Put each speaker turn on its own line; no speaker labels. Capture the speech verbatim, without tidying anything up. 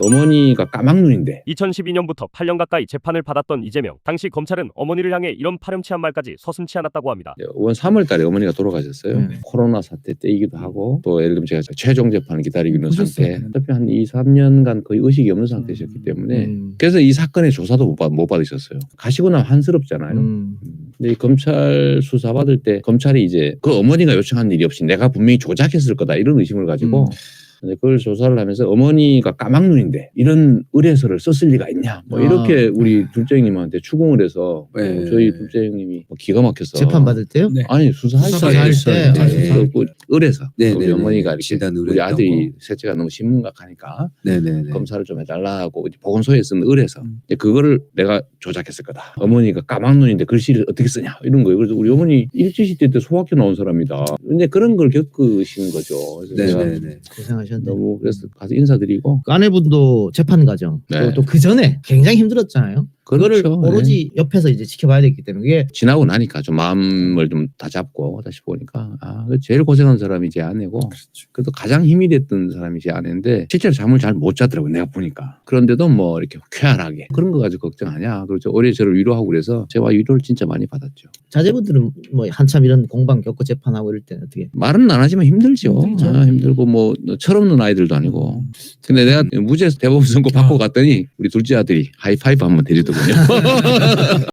어머니가 까막눈인데
이천십이 년부터 팔 년 가까이 재판을 받았던 이재명. 당시 검찰은 어머니를 향해 이런 파렴치한 말까지 서슴지 않았다고 합니다.
원 삼월 달에 어머니가 돌아가셨어요.
네.
코로나 사태 때이기도 하고 또 예를 들면 제가 최종 재판을 기다리고 있는
보셨어요.
상태. 어차피 한 이, 삼 년간 거의 의식이 없는 상태셨기 때문에
음.
그래서 이 사건의 조사도 못, 받, 못 받으셨어요. 가시고 나면 한스럽잖아요.
음.
근데 이 검찰 수사 받을 때 검찰이 이제 그 어머니가 요청한 일이 없이 내가 분명히 조작했을 거다 이런 의심을 가지고
음.
근데 그걸 조사를 하면서 어머니가 까막눈인데 이런 의뢰서를 썼을 리가 있냐 뭐
아.
이렇게 우리 둘째 형님한테 추궁을 해서
네.
저희 둘째 형님이 뭐 기가 막혀서
재판 받을 때요?
네.
아니 수사할
수사할
때,
때.
때
아,
그 의뢰서
네,
우리
네,
어머니가
네.
이렇게
진단
우리
의뢰했다고.
아들이 셋째가 너무 신문각하니까
네네네.
검사를 좀 해달라고 이제 보건소에 쓰는 의뢰서
음.
이제 그거를 내가 조작했을 거다. 어머니가 까막눈인데 글씨를 어떻게 쓰냐 이런 거예요. 그래서 우리 어머니 일제시대 때 소학교 나온 사람이다. 근데 그런 걸 겪으신 거죠. 그래서 제가
네네네.
고생하셨네.
너무 그래서 가서 인사드리고
그 아내분도 재판 과정
네.
또 그 전에 굉장히 힘들었잖아요. 그거를
그렇죠.
오로지 옆에서 이제 지켜봐야 됐기 때문에 그게
지나고 나니까 좀 마음을 좀 다잡고 다시 보니까 아 제일 고생한 사람이 제 아내고 그래도 가장 힘이 됐던 사람이 제 아내인데 실제로 잠을 잘 못 자더라고요. 내가 보니까. 그런데도 뭐 이렇게 쾌활하게 그런 거 가지고 걱정하냐. 그렇죠. 오래 저를 위로하고 그래서 제가 위로를 진짜 많이 받았죠.
자제분들은 뭐 한참 이런 공방 겪고 재판하고 이럴 때는 어떻게?
말은 안 하지만 힘들죠.
힘들죠.
아, 힘들고 뭐 철없는 아이들도 아니고. 근데 내가 무죄 대법원 선고 받고 갔더니 우리 둘째 아들이 하이파이브 한번 드리더군요.